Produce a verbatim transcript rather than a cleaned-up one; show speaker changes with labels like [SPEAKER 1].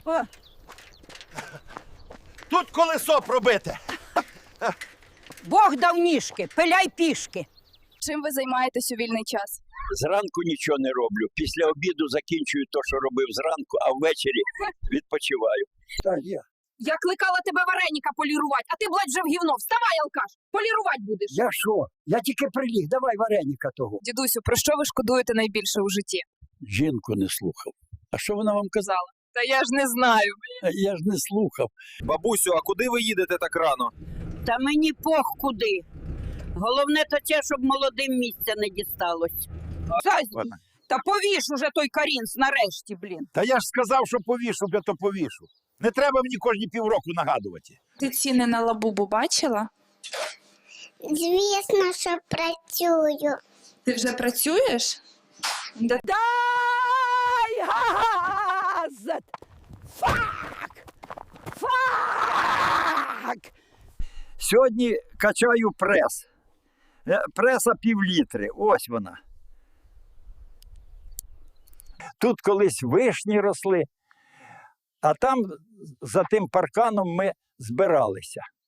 [SPEAKER 1] О.
[SPEAKER 2] Тут колесо пробите.
[SPEAKER 1] Бог дав ніжки, пиляй пішки.
[SPEAKER 3] Чим ви займаєтесь у вільний час?
[SPEAKER 4] Зранку нічого не роблю. Після обіду закінчую те, що робив зранку, а ввечері відпочиваю.
[SPEAKER 2] Так, я.
[SPEAKER 3] Я кликала тебе вареніка полірувати, а ти, блядь, вже в гівно. Вставай, алкаш, полірувати будеш.
[SPEAKER 5] Я що? Я тільки приліг, давай вареніка того.
[SPEAKER 3] Дідусю, про що ви шкодуєте найбільше у житті?
[SPEAKER 4] Жінку не слухав. А що вона вам казала?
[SPEAKER 3] Та я ж не знаю.
[SPEAKER 4] Я ж не слухав.
[SPEAKER 6] Бабусю, а куди ви їдете так рано?
[SPEAKER 1] Та мені пох куди. Головне то те, щоб молодим місця не дісталось.
[SPEAKER 2] Ладно.
[SPEAKER 1] Та повіш уже той карінс нарешті, блін.
[SPEAKER 2] Та я ж сказав, що повішу, я то повішу. Не треба мені кожні півроку нагадувати.
[SPEAKER 7] Ти ціни на лабубу бачила?
[SPEAKER 8] Звісно, що працюю.
[SPEAKER 7] Ти вже працюєш? Да.
[SPEAKER 1] Дай газ! Фак! Фак!
[SPEAKER 5] Сьогодні качаю прес. Е, Преса півлітри, ось вона. Тут колись вишні росли, а там за тим парканом ми збиралися.